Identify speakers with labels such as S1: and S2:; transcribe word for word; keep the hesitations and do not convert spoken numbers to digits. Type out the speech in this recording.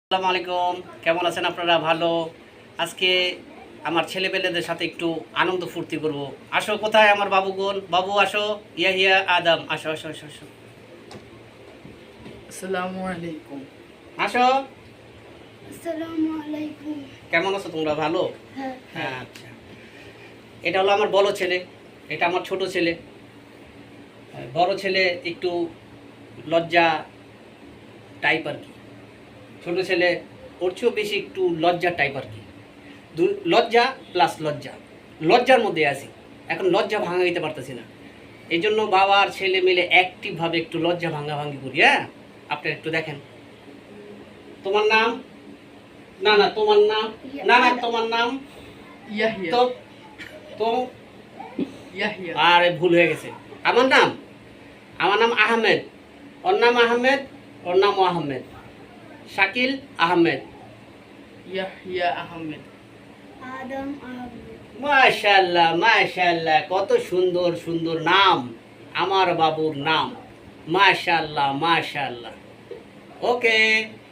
S1: আসসালামু আলাইকুম, কেমন আছেন আপনারা? ভালো। আজকে আমার ছেলেপেলেদের সাথে একটু আনন্দ ফুর্তি করব। আসো, কোথায় আমার বাবুগণ? বাবু আসো, ইয়াহিয়া আদম আসো আসো আসো আসো
S2: আসসালামু আলাইকুম।
S1: আসো।
S3: আসসালামু আলাইকুম।
S1: কেমন আছো তোমরা? ভালো?
S3: হ্যাঁ।
S1: হ্যাঁ, আচ্ছা। এটা হলো আমার বড় ছেলে, এটা আমার ছোট ছেলে। বড় ছেলে একটু লজ্জা টাইপ আর কি, ছোট ছেলে ওর চেয়েও বেশি একটু লজ্জা টাইপ আর কি। দু- লজ্জা প্লাস লজ্জা, লজ্জার মধ্যে আছি। এখন লজ্জা ভাঙা দিতে পারতেছি না, এই জন্য বাবা আর ছেলে মিলে অ্যাক্টিভভাবে একটু লজ্জা ভাঙা ভাঙি করি। হ্যাঁ, আপনারা একটু দেখেন। তোমার নাম? না না তোমার নাম, না না তোমার নাম
S2: ইয়াহিয়া।
S1: তো তো
S2: ইয়াহিয়া।
S1: আরে ভুল হয়ে গেছে। আমার নাম আমার নাম আহমেদ, ওর নাম আহমেদ, ওর নাম আহমেদ, শাকিল আহমেদ।
S2: ইয়াহিয়া আহমেদ।
S3: আদম আহমেদ।
S1: মাশাআল্লাহ মাশাআল্লাহ, কত সুন্দর সুন্দর নাম আমার বাবুর নাম। মাশাআল্লাহ মাশাআল্লাহ। ওকে।